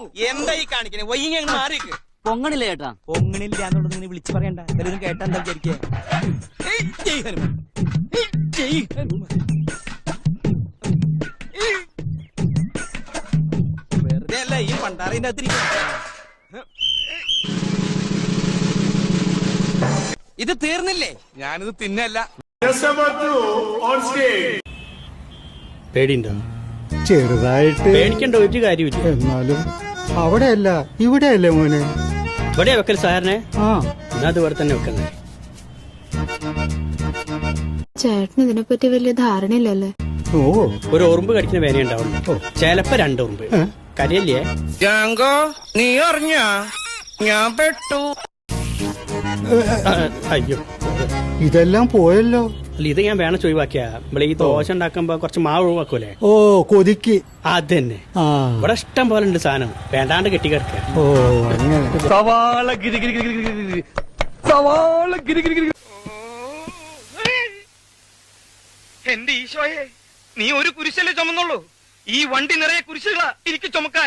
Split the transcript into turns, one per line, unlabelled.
എന്താ ഈ കാണിക്കണേ? വൈകി അങ്ങ് മാറിക്ക്.
പൊങ്ങണില്ല ചേട്ടാ.
പൊങ്ങണില്ല എന്നുള്ളത് ഇങ്ങനെ വിളിച്ചു പറയണ്ട. എല്ലാവരും കേട്ടാ എന്താ വിചാരിക്കുക? വെറുതെ അല്ല ഈ പണ്ടാറിന്റെ അകത്ത് ഇത് തീർന്നില്ലേ? ഞാനിത് തിന്നല്ല.
പേടിയുണ്ടോ?
ചെറുതായിട്ട്.
പേടിക്കേണ്ട ഒരു കാര്യമില്ല.
എന്നാലും അവിടെയല്ല ഇവിടെയല്ലേ മോനെ?
ഇവിടെ വെക്കൽ സാറിനെ.
ആ
എന്നാ അത് ഇവിടെ തന്നെ വെക്കണ്ടേ?
ചേട്ടന് ഇതിനെപ്പറ്റി വലിയ ധാരണയില്ലല്ലേ?
ഓ
ഒരു ഉറുമ്പ് കടിക്കുന്ന വേന ഉണ്ടാവുള്ളൂ. ചിലപ്പോ 2 ഉറുമ്പ്. കരയല്ലേ?
നീ അറിഞ്ഞ ഞാൻ പെട്ടു.
അയ്യോ,
ഇതെല്ലാം പോയല്ലോ.
അല്ല ഇത് ഞാൻ വേണം ഒഴിവാക്കിയാ. നമ്മളെ ഈ ദോശ ഉണ്ടാക്കുമ്പോ കുറച്ച് മാവ് ഒഴിവാക്കൂലേ?
ഓ കൊതിക്ക്.
അത് തന്നെ.
ആ
ഇവിടെ ഇഷ്ടം പോലെ ഉണ്ട് സാധനം. വേണ്ടാണ്ട് കെട്ടിക്കിടക്ക.
ഓ അങ്ങനെ.
സവാള ഗിരി ഗിരി ഗിരി ഗിരി സവാള ഗിരി ഗിരി ഗിരി. എന്റെ ഈശോയെ, നീ ഒരു കുരിശല്ലേ ചുമന്നുള്ളൂ? ഈ വണ്ടി നിറയെ കുരിശുകളാ എനിക്ക് ചുമക്കാൻ.